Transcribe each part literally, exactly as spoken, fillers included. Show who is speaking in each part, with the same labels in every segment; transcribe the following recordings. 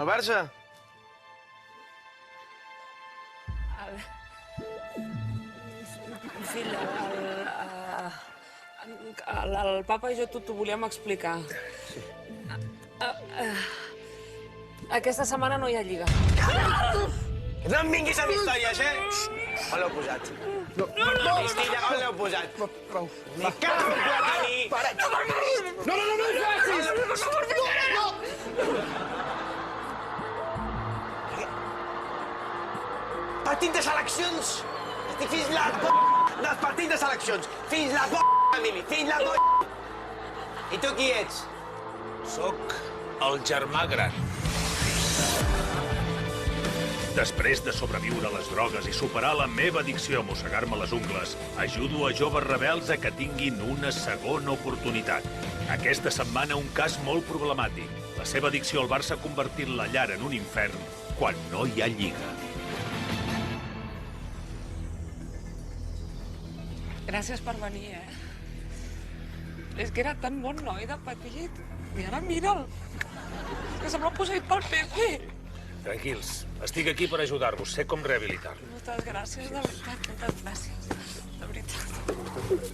Speaker 1: el Barça?
Speaker 2: Fill, el, el papa i jo t'ho volíem explicar. Aquesta setmana no hi ha lliga.
Speaker 1: No em vinguis amb històries, eh? On l'heu posat? No, no, no! Cristilla, on l'heu posat? No, prou. Me cago en la Tani! No m'agrada! No, no, no, no ho facis! No, no! Partit de seleccions! Estic fins la p*** dels partits de seleccions! Fins la p***, Emili! Fins la p***! I tu qui ets?
Speaker 3: Soc el germà gran. Després de sobreviure a les drogues i superar la meva addicció a mossegar-me les ungles, ajudo a joves rebels a que tinguin una segona oportunitat. Aquesta setmana un cas molt problemàtic. La seva addicció al Barça ha convertit la llar en un infern quan no hi ha lliga.
Speaker 2: Gràcies per venir, eh? És que era tan bon noi de petit. I ara mira'l. És que sembla posseït pel Pepe.
Speaker 3: Tranquils, estic aquí per ajudar-vos. Sé com rehabilitar-lo.
Speaker 2: Moltes gràcies, de veritat. Moltes gràcies. De veritat.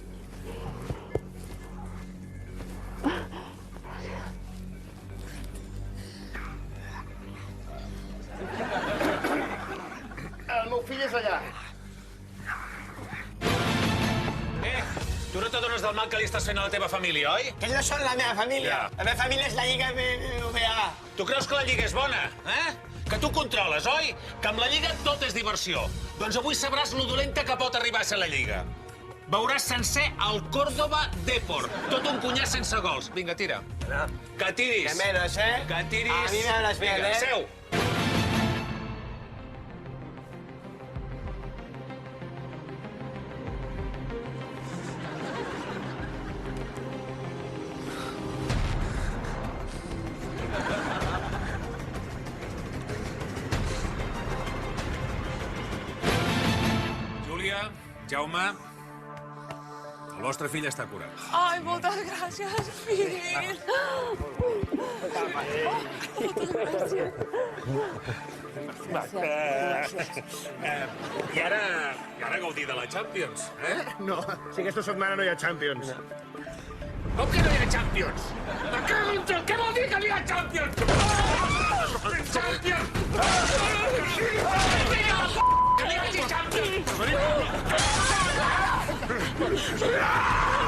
Speaker 1: El meu fill és allà.
Speaker 3: Eh, tu no t'adones del mal que li estàs fent a la teva família, oi?
Speaker 1: Que no són la meva família.
Speaker 3: Ja.
Speaker 1: La meva família és la Lliga B B A.
Speaker 3: Tu creus que la Lliga és bona, eh? Que tu controles, oi? Que amb la Lliga tot és diversió. Doncs avui sabràs lo dolenta que pot arribar a ser la Lliga. Veuràs sencer el Córdoba Depor. Tot un cunyàs sense gols. Vinga, tira.
Speaker 1: No.
Speaker 3: Que tiris.
Speaker 1: Que menos, eh?
Speaker 3: Que tiris.
Speaker 1: A mi me hablas bien,
Speaker 3: Vinga,
Speaker 1: eh?
Speaker 3: seu. Júlia, Jaume, el vostre fill està curat.
Speaker 2: Ai, moltes gràcies, fill. Moltes gràcies.
Speaker 3: I ara, i ara gaudir de la Champions, eh?
Speaker 4: No, si aquesta setmana no hi ha Champions.
Speaker 3: Com que no hi ha Champions? Me cago en tot! Què vol dir que no hi ha Champions? Champions! Vinga, la p***! Que no hi hagi Champions!